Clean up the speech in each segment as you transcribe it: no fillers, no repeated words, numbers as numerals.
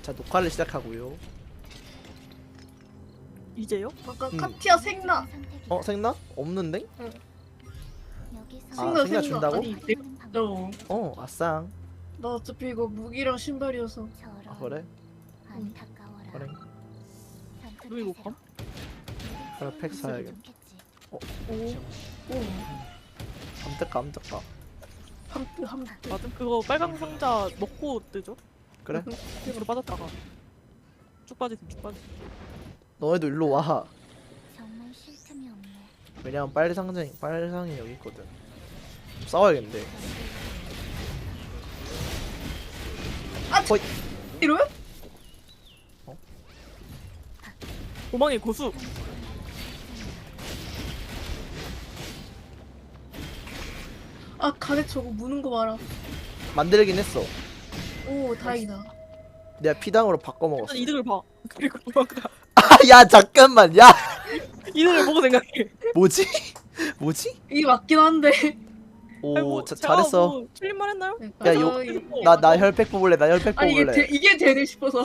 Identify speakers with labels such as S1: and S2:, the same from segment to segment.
S1: 자, 녹화를 시작하고요.
S2: 이제요?
S3: 아까 카티아 생나.
S1: 생나? 없는데?
S3: 생나
S1: 생나 준다고?
S3: 아니 너
S1: 아쌍.
S3: 나 어차피 이거 무기랑 신발이어서.
S1: 아, 그래? 그래.
S2: 루이 못 감?
S1: 그래, 팩 사야겠다.
S3: 오.
S1: 암뜩가, 암뜩가.
S3: 함뜨.
S2: 맞음 그거 빨강 상자 먹고 뜨죠?
S1: 그래?
S2: 으로 빠졌다가 쭉 빠지세요 쭉 빠지.
S1: 너네도 일로 와.
S4: 정말 쉴 틈이 없네.
S1: 왜냐면 빨상이 여기 있거든. 좀 싸워야겠는데.
S3: 이러면?
S2: 도망의 고수.
S3: 아 가래 저거 무는 거 봐라.
S1: 만들긴 했어.
S3: 오 다행이다.
S1: 내가 피당으로 바꿔 먹었어.
S2: 일단 이득을 봐. 그리고 도망가.
S1: 야, 잠깐만. 야,
S2: 이득을 보고 생각해.
S1: 뭐지? 뭐지?
S3: 이게 맞긴 한데.
S1: 오,
S2: 아이고,
S1: 잘했어.
S2: 뭐 틀린 말 했나요?
S1: 야, 요- 나 혈팩 뽑을래. 나 혈팩
S3: 아니
S1: 뽑을래.
S3: 이게 되네 싶어서.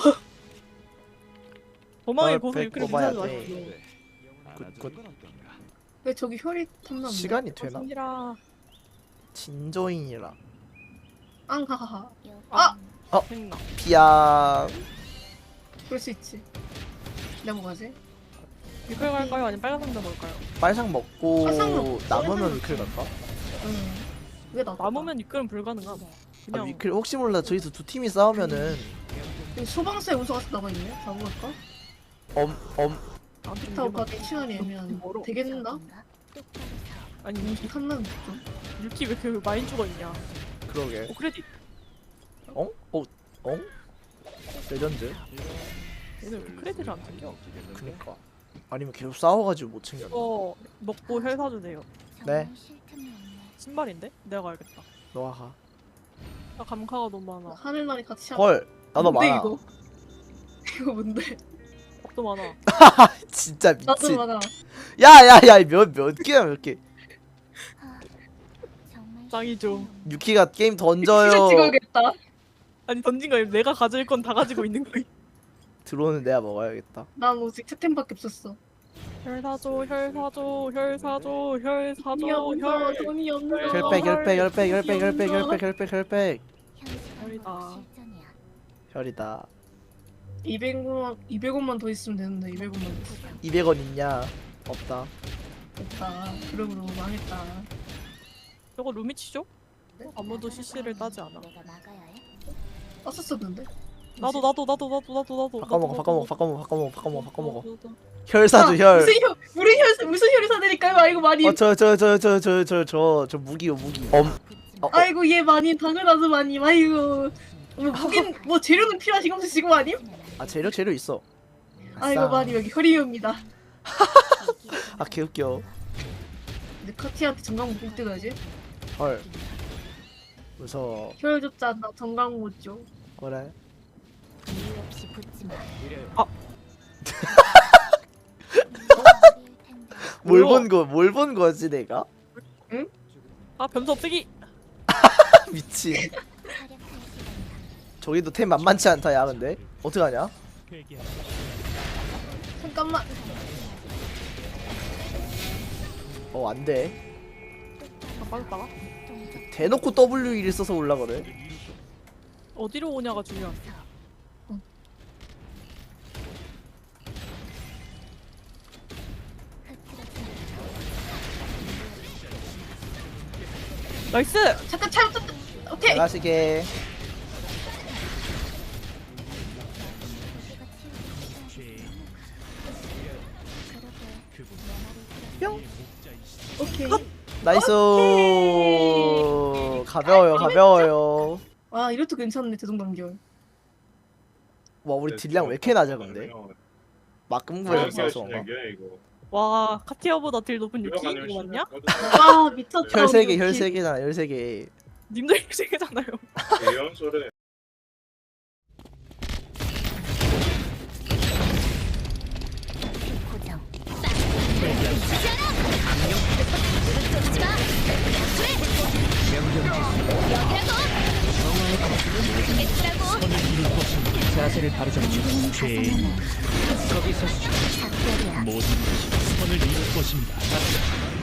S2: 도망의
S1: 널
S2: 고수
S1: 백
S2: 이렇게
S1: 뽑아야
S2: 무시하지
S1: 돼.
S2: 마시고.
S1: 굿.
S3: 왜 저기 혈이 탐나는데?
S1: 시간이 되나?
S2: 성질아.
S1: 진저인이라.
S3: 앙하하하.
S4: 아!
S2: 생나.
S1: 피야.
S3: 그럴 수 있지. 내가 뭐 가지?
S2: 위클 갈까요? 아니면 빨간 상자 먹을까요?
S1: 빨상 먹고
S3: 빨상 먹고
S1: 남으면
S3: 빨상
S1: 위클 갈까?
S3: 응. 왜 나?
S2: 남으면 위클은 불가능함.
S1: 아,
S2: 그냥
S1: 위클 혹시 몰라 저기서 두 팀이 싸우면은
S3: 소방서에 우수가 남아있네. 가볼까?
S2: 안
S3: 타고
S2: 좀
S3: 가기 시간이 애매한.
S2: 멀어.
S3: 되겠나?
S2: 아니
S3: 칸난 좀.
S2: 유키 왜 그 마인 죽어 있냐?
S1: 그러게.
S2: 크레딧.
S1: 레전드.
S2: 얘네 왜 크레딧을 안 챙겨?
S1: 그니까. 아니면 계속 싸워가지고 못 챙겼나?
S2: 이거 먹고 혈 사주세요.
S1: 네.
S2: 신발인데? 내가 가야겠다.
S1: 너가 가.
S2: 나 감카가 너무 많아.
S3: 하늘나리 같이.
S1: 헐, 나도
S3: 뭔데,
S1: 많아.
S3: 이거? 이거 뭔데?
S2: 겁도 많아.
S1: 진짜
S3: 나도
S1: 미친.
S3: 많아.
S1: 야야야, 몇 개야 몇 개.
S2: 짱이죠.
S1: 유키가 게임
S3: 진짜
S1: 던져요.
S3: 찍어야겠다.
S2: 아니 던진 거 아니라 내가 가질 건 다 가지고 있는 거야.
S1: 들어오는 내가 먹어야겠다.
S3: 난 오직 채템밖에 없었어.
S2: 혈 사줘, 혈 사줘, 혈 사줘, 혈 사줘,
S3: 돈이 없어.
S2: 혈.
S3: 돈이 없어.
S1: 혈팩.
S2: 혈이다.
S1: 혈이다.
S3: 200원만 더 있으면 되는데 200원만 더 있어.
S1: 200원 있냐? 없다.
S3: 됐다. 그러므로 망했다.
S2: 저거 루미치죠?
S3: 네?
S2: 아무도 CC를 따지 않아.
S3: 땄었었는데?
S2: 나도.
S1: 바꿔먹어. 혈 사줘 혈.
S3: 무슨 혈이 사드릴까요? 아이고 많이.
S1: 저 무기요.
S3: 아이고 얘 많이 당연하죠 많이. 아이고 뭐 무긴 뭐 재료는 필요하신 거 지금 아님?
S1: 아, 재료 있어.
S3: 아이고
S1: 아싸.
S3: 많이 여기 혈이옵니다.
S1: 아, 개웃겨.
S3: 근데 카티한테 정강 못 뜨가지?
S1: 헐. 무서워.
S3: 혈 줬잖아. 정강 못 줘.
S1: 그래. 뭘 본 거지 내가?
S2: 아 변수 없애기.
S1: 미친. 저기도 템 만만치 않다 야. 근데 어떡하냐?
S3: 잠깐만.
S1: 안돼.
S2: 아 빠졌다가
S1: 대놓고 W1을 써서 올라 그래.
S2: 어디로 오냐가 중요한. 나이스.
S3: 잠깐 잘못했다. 오케이.
S1: 나가시게.
S3: 오케이.
S1: 나이스. 가벼워요.
S3: 와 이것도 괜찮네 대동단결.
S1: 와, 우리 딜량 왜 이렇게 낮아 근데? 막금구에 써서 그런가?
S2: 와 카티아보다 딜 높은 유키 이거 맞냐?
S3: 와 미쳤다.
S1: 혈 3개,
S3: 우리
S1: 혈
S3: 역시.
S1: 3개잖아, 혈 3개.
S2: 님들 세계잖아요.
S5: 이런 소리. 자세를 바로 잡죠. 죄인
S4: 가사나무
S5: 거기 서시죠.
S4: 작별이야.
S5: 모든 것이 선을 이룰 것입니다.